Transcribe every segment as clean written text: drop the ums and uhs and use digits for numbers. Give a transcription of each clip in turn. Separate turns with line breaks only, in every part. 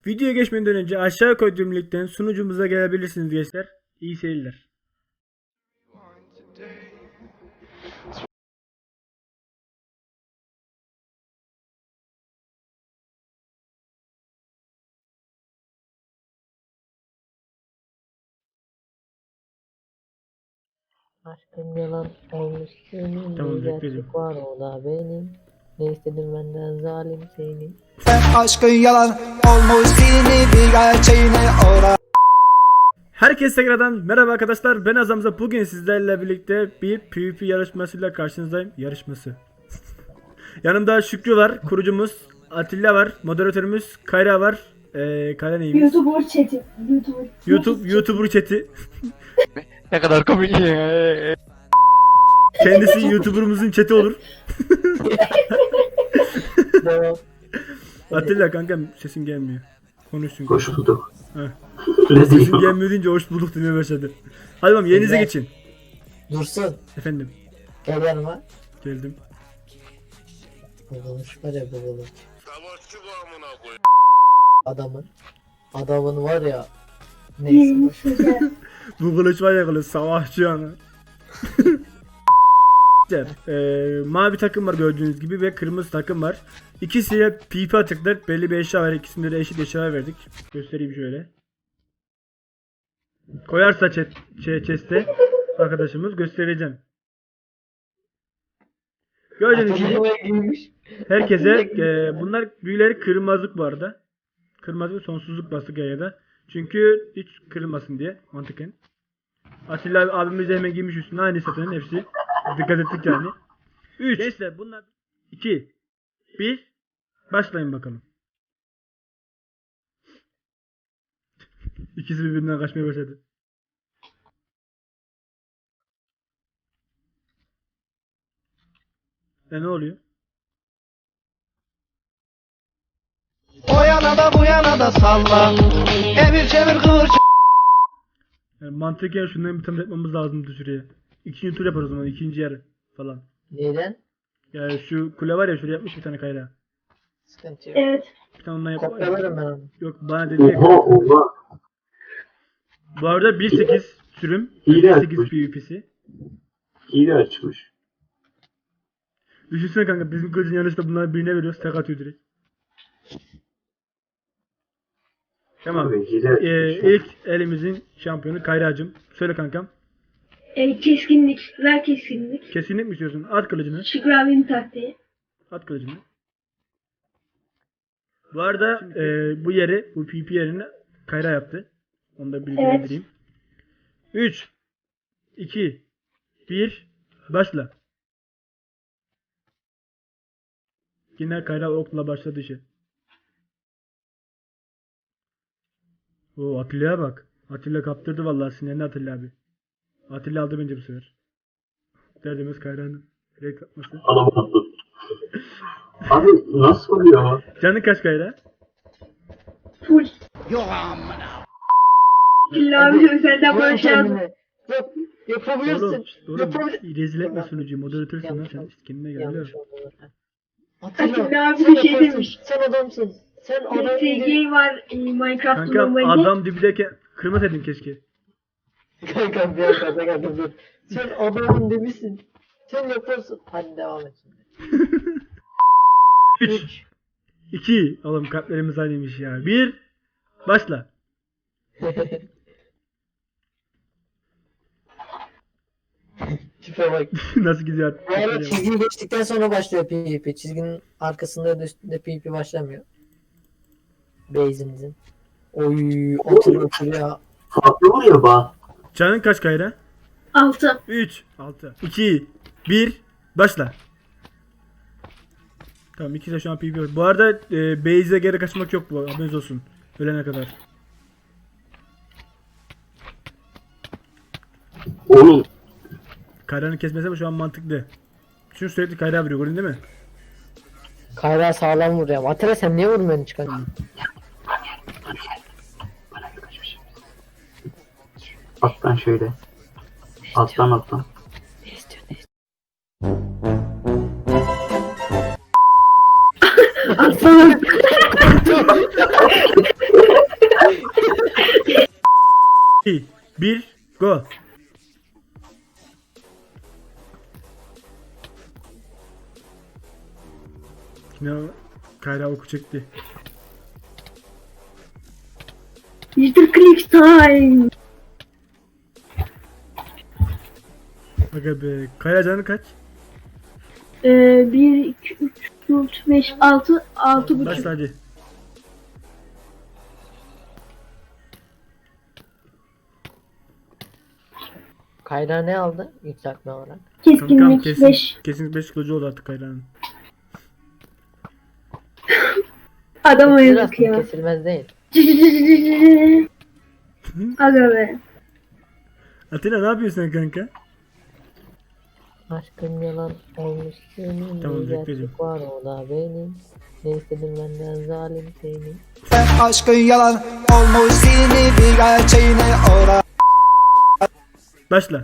Videoya geçmeden önce aşağı koyduğum linkten sunucumuza gelebilirsiniz gençler. İyi seyirler.
Aşkın yalan olmuş senin,
Tamam,
bir
bekledim.
gerçek var o da benim. Ne istedin benden zalim senin.
Aşkın yalan olmuş seni bir gerçeğine ora.
Herkese tekrardan merhaba arkadaşlar. Ben Azamza. Bugün sizlerle birlikte bir PvP yarışmasıyla karşınızdayım. Yarışması. Yanımda Şükrü var, kurucumuz. Atilla var, moderatörümüz. Kayra var. Kayra neymiş?
YouTuber chat'i.
YouTuber chat'i.
Ne kadar komik.
Kendisi YouTuber'ımızın chat'i olur.
Devam.
Atilla kankam sesin gelmiyor. Konuş çünkü.
Hoş bulduk.
Heh.
Rezil.
Sesin gelmiyor deyince hoş bulduk demeye başladı. Hadi bakalım yerinize
Güzel.
geçin.
Dursun.
Efendim
Gel yanıma.
geldim.
Bugulmuş var ya bugulmuş. Adamın var ya. Neyse.
Neymiş güzel.
Bu kılıç var ya kılıç savaşçı yani. Mavi takım var gördüğünüz gibi ve kırmızı takım var. İkisiyle PP atıklar. Belli bir eşya var. İkisinde de eşit eşya verdik. Göstereyim şöyle. Koyarsa chest'e arkadaşımız göstereceğim. Gördüğünüz gibi
giymiş.
herkese bunlar büyüleri kırmızılık bu arada. Kırmızı ve sonsuzluk bastık ya da. Çünkü hiç kırılmasın diye mantıken. Atilla abimiz de hemen giymiş üstüne aynı satının hepsi. Dikkat ettik yani. 3. Gençler bunlar 2 1 başlayın bakalım. İkisi birbirinden kaçmaya başladı. Ne oluyor?
O yana da bu yana da salla. Emir çevir kıvır.
Yani mantıken şundan bir tane yapmamız lazımdı şuraya. İkinci tur yaparız o zaman, ikinci yarı falan.
Neden?
Yani şu kule var ya, şuraya yapmış bir tane Kayra.
Sıkıntı yok.
Evet.
Bir tane ondan yap.
Kopyalarım ben onu.
Yok bana dedi ya.
Oha oha.
Bu arada 1.8 sürüm.
Hile
1.8
açmış.
PvP'si.
Hile açmış.
Düşünsene kanka, bizim kılıcın yanlışta bunları birine veriyoruz, tek atıyor direkt. Tamam.
Abi, hile açmış.
İlk elimizin şampiyonu Kayra'cığım. Söyle kankam.
Keskinlik. Ver keskinlik.
Kesinlik mi istiyorsun? At kılıcını.
Şükrü abinin taktiği.
At kılıcını. Bu arada bu yeri, bu PvP yerini Kayra yaptı. Onu da bilgilendireyim. 3 2 1 başla. Yine Kayra okla başladı işe. Oo, Atilla'ya bak. Atilla kaptırdı vallahi sinirlendi Atilla abi. Atilla aldı bence bu sefer. Derdimiz Kayra'nın direkt atması.
Alamadım. Abi nasıl oluyor?
Canın kaç Kayra?
Full. Şükrü abi özelden
Güven
barış yazdım.
kendine. Yap. Yapabilirsin.
Oğlum, oğlum
Yapabilirsin.
rezil etme sunucuyu, moderatör sana, sen kendine gel.
Yanlış oldu.
Atilla abi
sen
bir şey
yaparsın.
demiş.
Sen adamsın. Sen adam
SG var Minecraft
Kankam
normalde.
adam dibideyken kırmasaydın keşke.
Kankam bir dakika kankam dur. Sen adamın demişsin. Sen yaparsın. Hadi devam et şimdi.
3 2 oğlum kalplerimiz aynıymış ya. 1 başla.
Tipe bak.
Nasıl gidiyor?
Bu arada çizgiyi geçtikten sonra başlıyor PvP. Çizginin arkasında ya da üstünde PvP başlamıyor. Base'imizin. Oy otur ya.
Farklı vuruyor bak.
Canın kaç Kayra?
6.
3 6 2 1 başla. Tamam, ikisi de şu an PvP var. Bu arada base'e geri kaçmak yok, bu haberiniz olsun. Ölene kadar.
Oğlum.
Kayra'nın kesmesi ama şu an mantıklı. Çünkü sürekli Kayra vuruyor, gördün değil mi?
Kayra sağlam vuruyor. Atilla sen niye vurmuyorsun çıkan?
Alttan şöyle. Alttan alttan.
2, 1, go. Yine Kayra oku çekti.
Mr. Click time.
Aga be. Kayra canı kaç?
1, 2, 3, 4, 5, 6, 6,5.
Başla hadi.
Kayra ne aldı yükseltme olarak?
Kankam
Keskinlik
kesin
5.
5 kılıcı oldu artık Kayra'nın.
Adam
Kesilir
ayırdık
aslında,
ya.
kesilmez değil.
Aga be.
Atilla ne yapıyorsun sen kanka?
Aşkım yalan olmuş senin.
Tamam,
Bir gerçek
bekledim.
var o da benim. Ne istedim benden zalim seni.
Aşkın yalan olmuş seni bir gerçeğine ora.
Başla.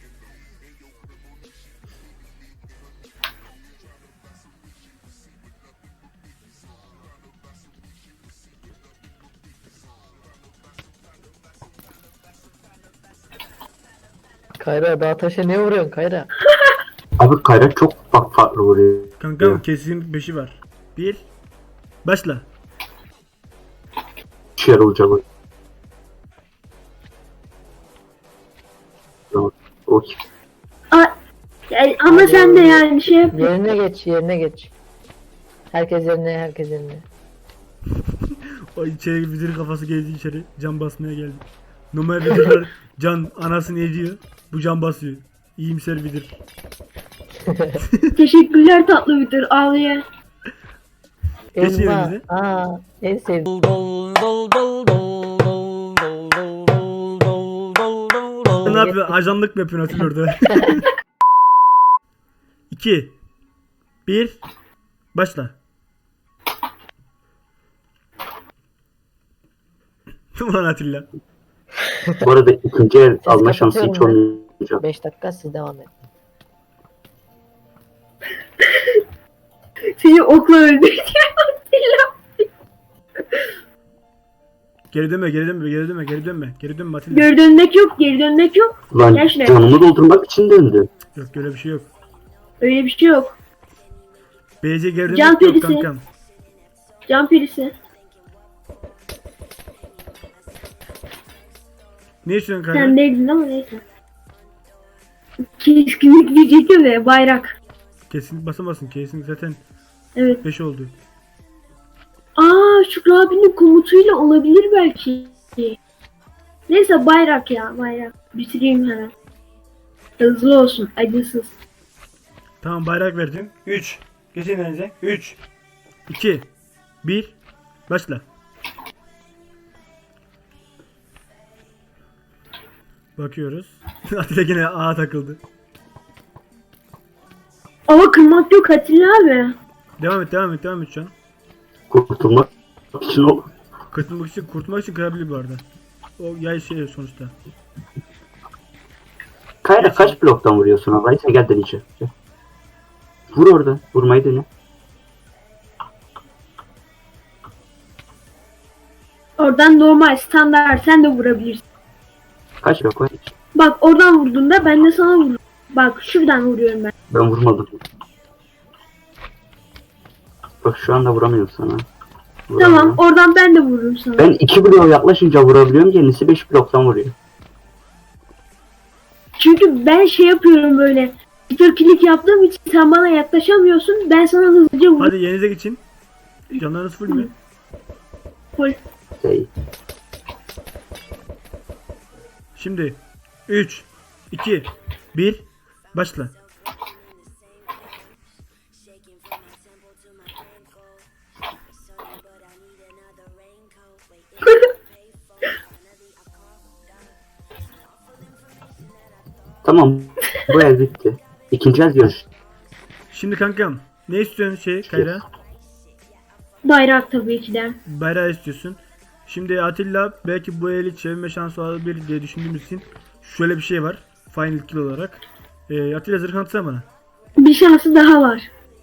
Kayra dağ taşa ne vuruyorsun Kayra?
Abi Kayra çok bak farklı vuruyor.
Kankam kesin 5'i var. 1, başla.
İşe yarayacak o. Tamam. Okey.
Ama sen de yani şey yap.
Yerine geç, yerine geç. Herkes yerine, herkes yerine.
O içeri vidir kafası geldi içeri. Can basmaya geldi. Normal vidirler can anasını ediyor. Bu can basıyor. İyimser vidir.
Teşekkürler tatlı bitir. Ağlıyor.
Geç
Elma.
yerinize.
En sevdiğim.
Ne yapıyorsun? Ajanlık mı yapıyorsun Atilla orada? 2, 1, başla. Ulan Atilla.
Bu arada ikinci el alma
kapatıyorum
şansı hiç
ben.
olmayacak.
5 dakika siz devam edin.
Seni okla öldüreceğim Atilla.
Geri dönme, geri dönme, geri dönme, geri dönme. Geri dönme Atilla.
Geri dönmek yok. Geri dönmek yok.
Lan
Gel şuraya.
canımı doldurmak için döndü.
Yok öyle bir şey yok.
Öyle bir şey yok.
BC geri
Can
dönmek yok
perisi.
kankam.
Can perisi.
Ne istiyorsun kanka?
Sen değildin ama neyse. Keskinlik diyecektim de bayrak.
Kesin basamazsın. Kesin zaten
Evet.
5 oldu.
Şükrü abinin komutuyla olabilir belki. Neyse bayrak ya bayrak. Bitireyim hemen. Hızlı olsun acısız.
Tamam bayrak verdim. 3. Geçin elinize. 3, 2, 1, başla. Bakıyoruz. Atilla yine A takıldı.
Ama kırmak yok Atilla abi.
Devam et, devam et, devam et şu an.
Kurtulmak için o.
Kurtulmak için kırabilir bu arada. O yay şey sonuçta.
Kayra kaç bloktan vuruyorsun abi? Neyse gel deneyeceğim. Gel. Vur orada. Vurmayı dene.
Oradan normal standart sen de vurabilirsin.
Kaç blok var?
Bak oradan vurduğunda ben de sana vururum. Bak şuradan vuruyorum ben.
Ben vurmadım. Bak şu anda vuramıyorum sana. Vuramıyorum.
Tamam oradan ben de vururum sana.
Ben 2 bloğa yaklaşınca vurabiliyorum. Kendisi 5 bloktan vuruyor.
Çünkü ben şey yapıyorum böyle. Klik yaptığım için sen bana yaklaşamıyorsun. Ben sana hızlıca vururum.
Hadi yerinize geçin. Canlarınız full mü?
Full.
Şey,
Şimdi 3, 2, 1, başla.
tamam. Bu el bitti. İkinci el görüş.
Şimdi kankam ne istiyorsun şey Kayra?
Bayrak tabii ki de.
Bayrağı istiyorsun. Şimdi Atilla belki bu eli çevirme şansı olabilir diye düşündüğümüz için şöyle bir şey var. Final kill olarak. Atilla zırh atsana bana.
Bir şansı daha var.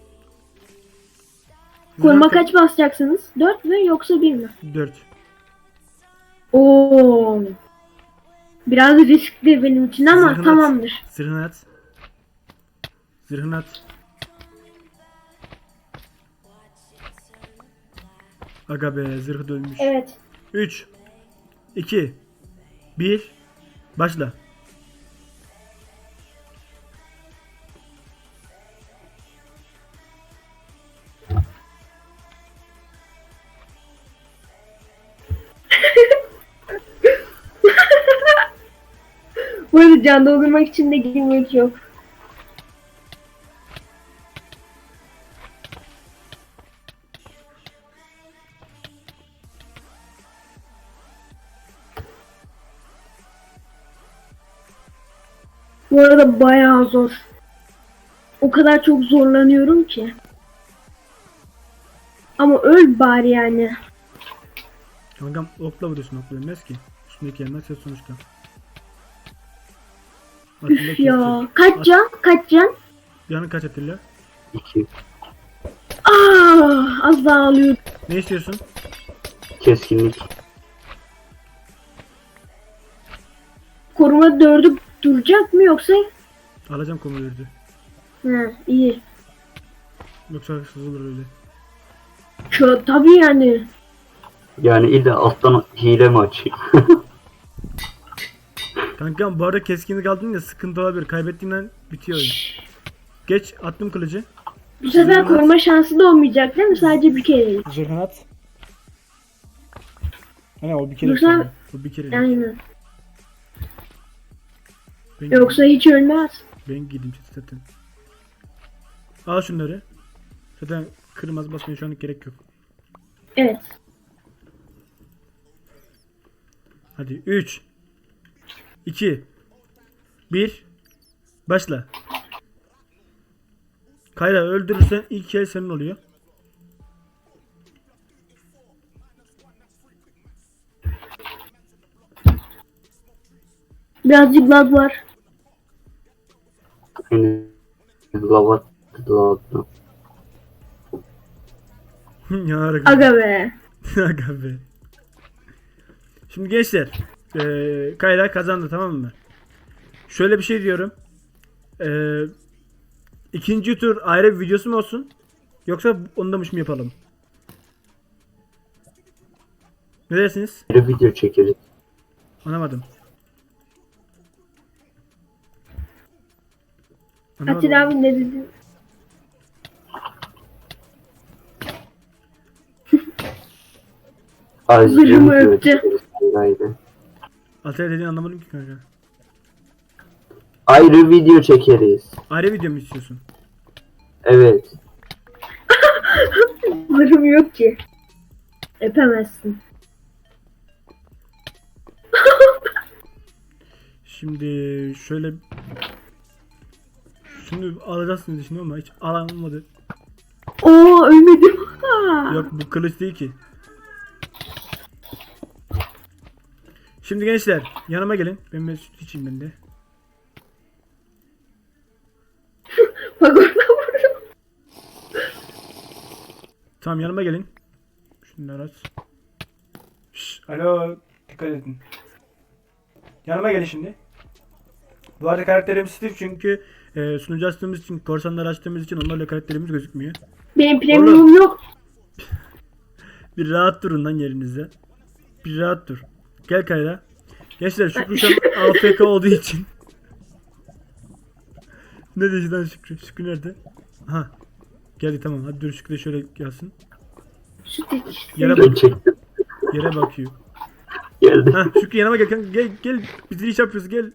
Koruma
Zırh
kaç basacaksınız? 4 mü yoksa 1 mi?
4.
Oo. Biraz riskli benim için ama
Zırhını at.
tamamdır.
Zırhını at. Zırhını at. Aga be zırhı dönmüş.
Evet.
3 2 1 Başla.
Bu arada can doldurmak için de girmek yok. Bu arada bayağı zor. O kadar çok zorlanıyorum ki. Ama öl bari yani.
Kankam okla vuruyorsun, okla ölmez ki. Üstündeki yerler ses sonuçta. Atilla
Üf ya.
kesecek.
Kaç can? Kaç can?
Yanın kaç Atilla?
2.
Az daha alıyordum.
Ne istiyorsun?
Keskinlik.
Koruma 4'ü duracak mı yoksa?
Alacağım komuyordu.
He iyi.
Yoksa haksız olur öyle.
Tabii yani.
Yani illa alttan hile mi açayım?
Kankam bu arada keskinlik aldın ya sıkıntı olabilir. Kaybettiğinden bitiyor oyun. Geç attım kılıcı.
Bu sefer
Zırhını
koruma şansı da olmayacak değil mi? Sadece bir kere.
Zırhını at. Hani o bir kere.
Yoksa-
sonra. O bir kere.
Aynen.
Ben,
Yoksa hiç ölmez.
ben gideyim zaten. Al şunları. Zaten kırmızı basmaya şu anlık gerek yok.
Evet.
Hadi 3 2 1 Başla. Kayra öldürürsen ilk el senin oluyor.
Birazcık lag var.
Yani lavat.
Ya
Aga be.
Aga be. Şimdi gençler, Kayra kazandı, tamam mı? Şöyle bir şey diyorum. İkinci tur ayrı bir videosu mu olsun? Yoksa ondamış mı yapalım? Ne dersiniz?
Bir video çekeriz.
Anlamadım.
Atilla abi ne dedi?
Ayrı
Zırhımı
video
öptü.
çekeriz. Haydi.
Atilla dediğini anlamadım ki kanka.
Ayrı video çekeriz.
Ayrı video mu istiyorsun?
Evet.
Zırhım yok ki. Öpemezsin.
Şimdi şöyle şunu alacaksınız şimdi ama hiç alamadı.
Oo ölmedim. Ha.
Yok bu kılıç değil ki. Şimdi gençler yanıma gelin. Ben bir süt içeyim ben de.
Bak orada vurdum.
Tamam yanıma gelin. Şunları aç. Şşş, alo dikkat edin. Yanıma gelin şimdi. Bu arada karakterimiz Steve çünkü sunucu açtığımız için, korsanlar açtığımız için onlarla karakterimiz gözükmüyor.
Benim premium yok.
Bir rahat durun lan yerinizde. Bir rahat dur. Gel Kayra. Gençler Şükrü şu an AFK olduğu için. Ne dedi lan Şükrü? Şükrü nerede? Aha. Geldi tamam. Hadi dur Şükrü de şöyle gelsin.
Süt iç.
Yere
Ben
bak.
çektim.
Yere bakıyor.
Geldi.
Ha Şükrü yanıma gel kanka. Gel. Bitiriş yapıyoruz gel.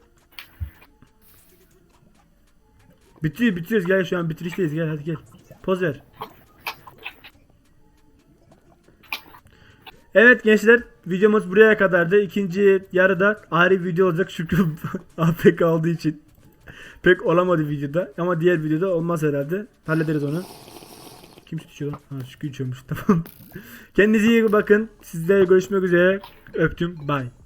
Bitiriyoruz gel şu an bitirişteyiz gel hadi gel. Poz ver. Evet gençler videomuz buraya kadardı. İkinci yarıda ayrı video olacak Şükrü AFK olduğu için. Pek olamadı videoda ama diğer videoda olmaz herhalde. Hallederiz onu. Kim süt içiyor lan? Ha Şükrü içiyormuş tamam. Kendinize iyi bakın. Sizlerle görüşmek üzere. Öptüm. Bye.